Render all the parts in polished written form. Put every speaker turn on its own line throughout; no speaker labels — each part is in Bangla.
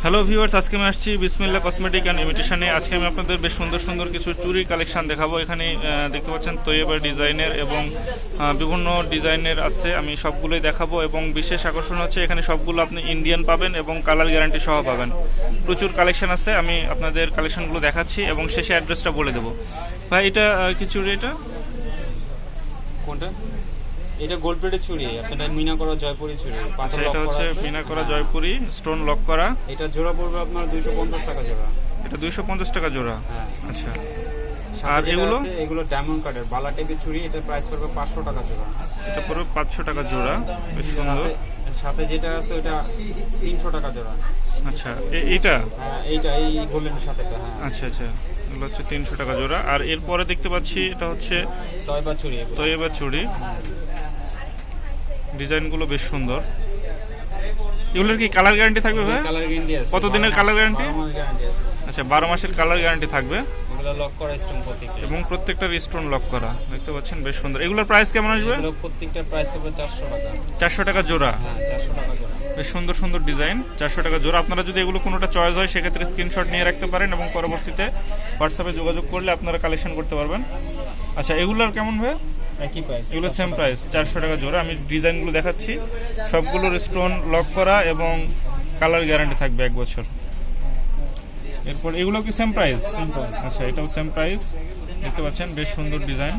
হ্যালো ভিউয়ার্স, আজকে আমি আসছি বিসমিল্লাহ কসমেটিক অ্যান্ড ইমিটেশনে। আজকে আমি আপনাদের বেশ সুন্দর সুন্দর কিছু চুরি কালেকশন দেখাবো। এখানে দেখতে পাচ্ছেন তৈয়বা ডিজাইনের এবং বিভিন্ন ডিজাইনের আছে, আমি সবগুলোই দেখাবো। এবং বিশেষ আকর্ষণ হচ্ছে এখানে সবগুলো আপনি ইন্ডিয়ান পাবেন এবং কালার গ্যারান্টি সহ পাবেন। প্রচুর কালেকশন আছে, আমি আপনাদের কালেকশনগুলো দেখাচ্ছি এবং শেষে অ্যাড্রেসটা বলে দেবো। ভাই এটা কি চুড়ি? এটা
কোনটা? এটা গোল্ড প্লেটের চুড়ি, আপনাদের মিনা করা জয়পুরি চুড়ি।
আচ্ছা, এটা হচ্ছে মিনা করা জয়পুরি, স্টোন লক করা।
এটা জোড়া পড়বে আপনার 250 টাকা জোড়া।
এটা 250 টাকা জোড়া।
হ্যাঁ।
আচ্ছা,
আর এগুলো ডায়মন্ড কাটের বালা টাইপের চুড়ি, এটা প্রাইস পড়বে 500 টাকা জোড়া।
এটা পড়বে 500 টাকা জোড়া, বেশ সুন্দর।
সাথে যেটা আছে ওটা 300 টাকা জোড়া।
আচ্ছা, এইটা?
হ্যাঁ, এইটা এই গোল্ডের সাথে। হ্যাঁ,
আচ্ছা আচ্ছা, এগুলো হচ্ছে 300 টাকা জোড়া। আর এরপরে দেখতে পাচ্ছি এটা হচ্ছে
তয়বা চুড়ি।
তৈয়বা চুড়ি, ডিজাইনগুলো বেশ সুন্দর। এগুলোর কি কালার গ্যারান্টি থাকবে ভাই?
কালার গ্যারান্টি আছে।
কতদিনের কালার গ্যারান্টি?
12 মাস গ্যারান্টি আছে।
আচ্ছা, 12 মাসের কালার গ্যারান্টি থাকবে।
এগুলো লক করা স্টোন প্রত্যেকটা,
এবং প্রত্যেকটার স্টোন লক করা, দেখতে পাচ্ছেন বেশ সুন্দর। এগুলোর প্রাইস কেমন আসবে?
এগুলো প্রত্যেকটার প্রাইস পড়বে 400 টাকা।
400 টাকা জোড়া?
হ্যাঁ, 400 টাকা জোড়া।
বেশ সুন্দর সুন্দর ডিজাইন, 400 টাকা জোড়া। আপনারা যদি এগুলো কোনোটা চয়েস হয় সেক্ষেত্রে স্ক্রিনশট নিয়ে রাখতে পারেন এবং পরবর্তীতে হোয়াটসঅ্যাপে যোগাযোগ করলে আপনারা কালেকশন করতে পারবেন। আচ্ছা, এগুলোর কেমন ভাই?
একই প্রাইস,
এগুলো সেম প্রাইস, 400 টাকা জোড়া। আমি ডিজাইনগুলো দেখাচ্ছি, সবগুলোর স্টোন লক করা এবং কালার গ্যারান্টি থাকবে 1 বছর। এরপর এগুলো কি সেম প্রাইস? আচ্ছা, এটাও সেম প্রাইস, দেখতে পাচ্ছেন বেশ সুন্দর ডিজাইন।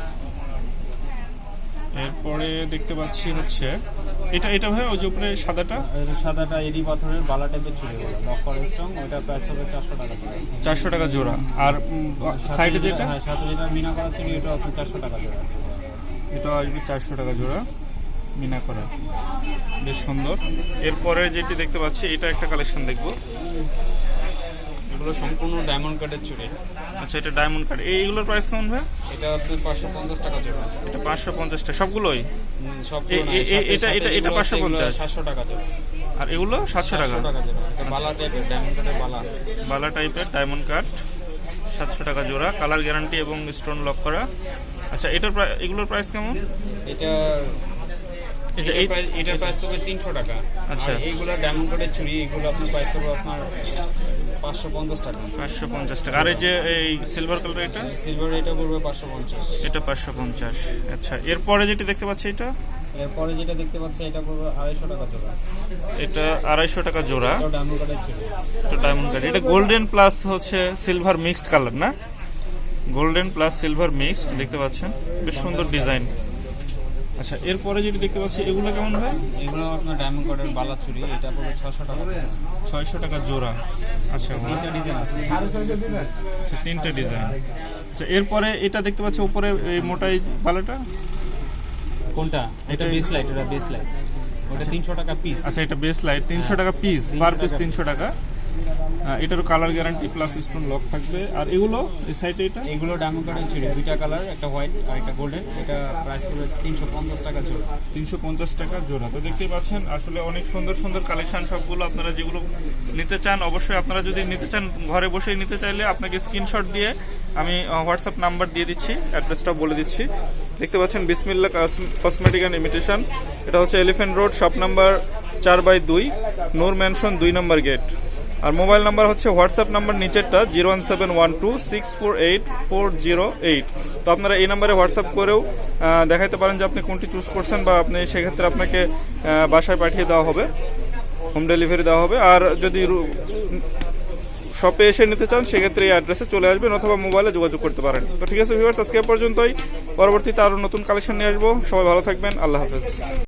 এরপরে দেখতে পাচ্ছি হচ্ছে এটা ভাই ওই যে উপরে সাদাটা
এডি পাথরের বালা টাইপের চুড়ি, লক করা স্টোন, ওটা প্রাইস পড়বে 400 টাকা জোড়া।
400 টাকা জোড়া। আর সাইডে যেটা?
হ্যাঁ, সাথে যেটা মিনা করা চুড়ি, এটা আপনার 400 টাকা জোড়া।
এটা আসবে 400 টাকা জোড়া, মিনা করা, বেশ সুন্দর। এরপরে যেটি দেখতে পাচ্ছি এটা একটা কালেকশন দেখবো।
এগুলো সম্পূর্ণ ডায়মন্ড কাটের চুড়ি।
আচ্ছা, এটা ডায়মন্ড কাট। এইগুলোর প্রাইস কেমন ভাই?
এটা হচ্ছে 550 টাকা জোড়া।
এটা 550 টাকা সবগুলোই?
এটা
550,
700 টাকা জোড়া।
আর এগুলো 700 টাকা?
এটা বালা টাইপের ডায়মন্ড কাটের
বালা টাইপের ডায়মন্ড কাট, 700 টাকা জোড়া, কালার গ্যারান্টি এবং স্টোন লক করা। আচ্ছা, এগুলোর প্রাইস কেমন?
এটার প্রাইস পড়বে 300 টাকা।
আচ্ছা,
এইগুলো ডায়মন্ড কাটের চুড়ি, এগুলো আপনার প্রাইস পড়বে আপনার 550 টাকা।
550 টাকা। আর এই যে এই সিলভার কালার, এটা
সিলভার, এটা পড়বে 550।
এটা 550। আচ্ছা, এরপরে যেটি দেখতে পাচ্ছি এটা?
এরপরে যেটা দেখতে পাচ্ছি এটা পড়বে 250 টাকা জোড়া।
এটা 250 টাকা জোড়া,
এটা ডায়মন্ড কাটের চুড়ি।
এটা ডায়মন্ড কাট। এটা গোল্ডেন প্লাস হচ্ছে সিলভার মিক্সড কালার না? গোল্ডেন প্লাস সিলভার মিক্সড, দেখতে পাচ্ছেন বেশ সুন্দর ডিজাইন। আচ্ছা, এরপরে যেটি দেখতে পাচ্ছি এগুলো কেমন হয়?
এগুলো আপনার ডায়মন্ড কাটের বালা চুড়ি, এটা পড়বে 600 টাকা জোড়া।
600 টাকা জোড়া। আচ্ছা,
3টা ডিজাইন আছে।
আচ্ছা, 3টে ডিজাইন। আচ্ছা, এরপরে এটা দেখতে পাচ্ছি উপরে এই মোটাই বালাটা
কোনটা? এটা বেস লাইট, এটা বেস লাইট, ওটা 300 টাকা পিস।
আচ্ছা, এটা বেস লাইট 300 টাকা পিস, পার পিস 300 টাকা। এটারও colour guarantee plus stone lock থাকবে। আর এগুলো এই সাইডে
এগুলো ডায়মন্ড কাটের চুড়ি, দুইটা কালার, একটা হোয়াইট আর একটা গোল্ডেন। এটা প্রাইস পড়বে 350 টাকা জোড়া।
350 টাকা জোড়া। তো দেখতেই পাচ্ছেন আসলে অনেক সুন্দর সুন্দর কালেকশন সবগুলো। আপনারা যেগুলো নিতে চান, অবশ্যই আপনারা যদি নিতে চান ঘরে বসেই নিতে চাইলে আপনাকে স্ক্রিনশট দিয়ে আমি হোয়াটসঅ্যাপ নাম্বার দিয়ে দিচ্ছি, অ্যাড্রেসটা বলে দিচ্ছি। দেখতে পাচ্ছেন বিসমিল্লাহ কসমেটিক অ্যান্ড ইমিটেশন। এটা হচ্ছে Elephant Road, shop number 4/2, Noor mansion 2 নম্বর গেট। আর মোবাইল নাম্বার হচ্ছে হোয়াটসঅ্যাপ নাম্বার নিচেরটা 01712648408। তো আপনারা এই নাম্বারে হোয়াটসঅ্যাপ করেও দেখাতে পারেন যে আপনি কোনটি চুজ করছেন, বা আপনি সেক্ষেত্রে আপনাকে বাসায় পাঠিয়ে দেওয়া হবে, হোম ডেলিভারি দেওয়া হবে। আর যদি শপে এসে নিতে চান সেক্ষেত্রে এই অ্যাড্রেসে চলে আসবেন অথবা মোবাইলে যোগাযোগ করতে পারেন। তো ঠিক আছে ভিউয়ার্স, আজকে পর্যন্তই। পরবর্তীতে আরও নতুন কালেকশন নিয়ে আসবো। সবাই ভালো থাকবেন, আল্লাহ হাফেজ।